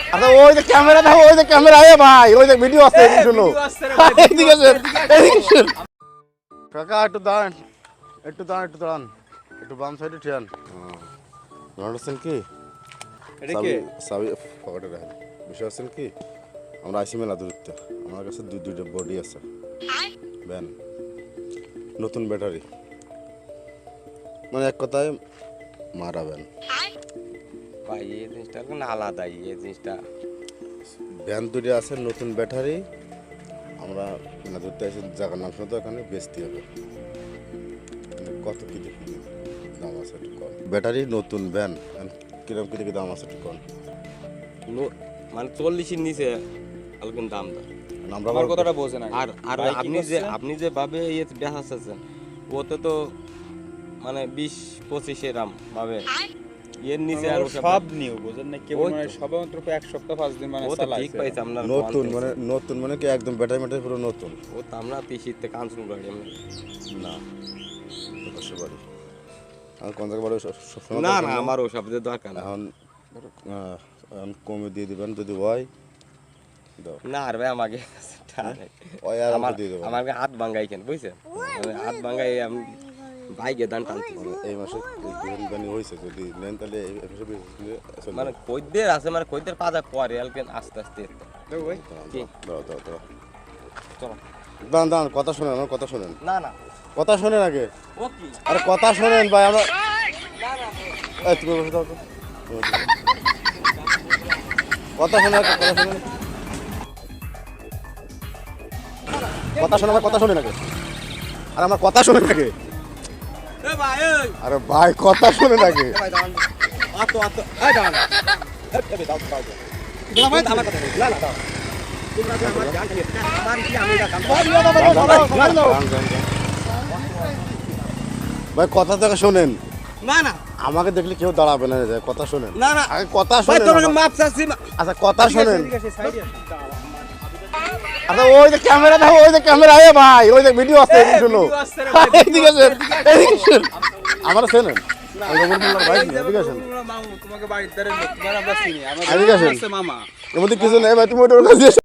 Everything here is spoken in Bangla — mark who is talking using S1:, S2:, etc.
S1: আচ্ছা ওই যে ক্যামেরা দাও, ওই যে ক্যামেরা আয় ভাই, ওই যে ভিডিও আছে এদিকে শুনো। এদিকে আসেন, এদিকে আসেন। কাকা একটু দাঁড়ান, একটু দাঁড়ান, একটু দাঁড়ান, একটু বাম সাইডে ঠিয়ান। আছেন কি সাবি পকেটে রাখেন। বিষয় আছেন কি, আমরা আইসি মেলা দূরত্বে, আমার কাছে দুইটা বডি আছে ভ্যান, নতুন ব্যাটারি, মানে এক কথায় মারা ভ্যান।
S2: ভাই এই জিনিসটা কোনো আলাদাই, এই জিনিসটা
S1: ভ্যান দুটো আছে, নতুন ব্যাটারি, আমরা মেলা ধরতে আসি, জায়গার নাম শুনে তো এখানে বেচতে হবে। মানে কত কি দেখি দাম আছে একটু কম। ব্যাটারি নতুন ভ্যান কিরকম কি দেখি দাম আছে একটু কম।
S2: মানে 40-এর নিচে আলকেন দাম দা।
S1: আমরা
S3: আমার কথাটা বোঝে না।
S2: আর আর আপনি যে ভাবে এই দেখাচ্ছেন ওতে তো মানে 20-25 এরকম ভাবে এর নিচে আর
S3: সব নিউ বোঝেন না, কেবল
S2: ওই তো।
S3: মানে সবেমাত্র 1 সপ্তাহ 5 দিন মানে
S2: ও তো ঠিক
S3: চালাইছে।
S2: পাইছে আপনার
S1: নতুন মানে কি একদম ব্যাটারি ম্যাটারি পুরো নতুন
S2: ও তো আমরা তিসিতে কাঞ্চন গাড়ি আমরা
S1: না। প্রকাশ্য বাড়ি আর কোন জায়গায় বাড়ি সবসময়
S2: না না আমার ওসব দিয়ে দরকার না।
S1: এখন এখন কমে দিয়ে দিবেন যদি হয় দাও।
S2: না আর ভাই আমাকে
S1: ওই আর
S2: আমার
S1: দিয়ে দেবেন।
S2: আমাকে হাত ভাঙ্গাই কেন বুঝছেন, মানে হাত ভাঙ্গাই আমি বাইকে দান টানতে
S1: এই মাসে বানি হয়েছে, যদি নেন তাহলে এই মাসে
S2: মানে কইদের আছে, মানে কইদের পাজা পরে আলকেন আস্তে আস্তে কি?
S1: দাও দাও দাও
S2: চলো
S1: দাঁড়ান দাঁড়ান, কথা শোনেন, আমার কথা শোনেন,
S2: না না
S1: কথা শোনেন আগে।
S2: ও কি
S1: আরে কথা শোনেন ভাই, আমরা
S2: না না
S1: এই তুমি বসে দাও তো। কথা শোনেন, কথা শোনেন, কথা শোনেন, আমার কথা শোনেন আগে। আরে আমার কথা শোনেন আগে।
S2: এ ভাই এই
S1: আরে ভাই কথা শোনেন আগে।
S2: ভাই দাঁড়ান আতো আতো এই দাঁড়ান এই দাও দাও তোমরা ভাই আমার কথা না না দাও তোমরা যে আমার গান নিয়ে আমার কি আমি এটা কাম
S1: ভাই কথা থেকে শোনেন,
S2: না না
S1: আমাকে দেখলে কেউ দাঁড়াবে না, কথা শোনেন
S2: না না
S1: আগে, কথা
S2: ভাই
S1: শোনেন
S2: তোমাকে
S1: আমার।
S2: মাপ চাচ্ছি
S1: আচ্ছা কথা শোনেন। আচ্ছা ওই যে ক্যামেরা দাও, ওই যে ক্যামেরা আয় ভাই, ওই যে ভিডিও আছে এদিকে শুনো। এদিকে আসেন, এদিকে আসেন। আমার চেনেন ভাই, এদিকে আসেন।
S3: তোমাকে বাড়ির দ্বারে তোমার আমরা চিনি,
S1: এদিকে আসেন।
S3: আমার মামা।
S1: এর মধ্যে কিছু নেই ভাই, তুমি ওইটার কাছে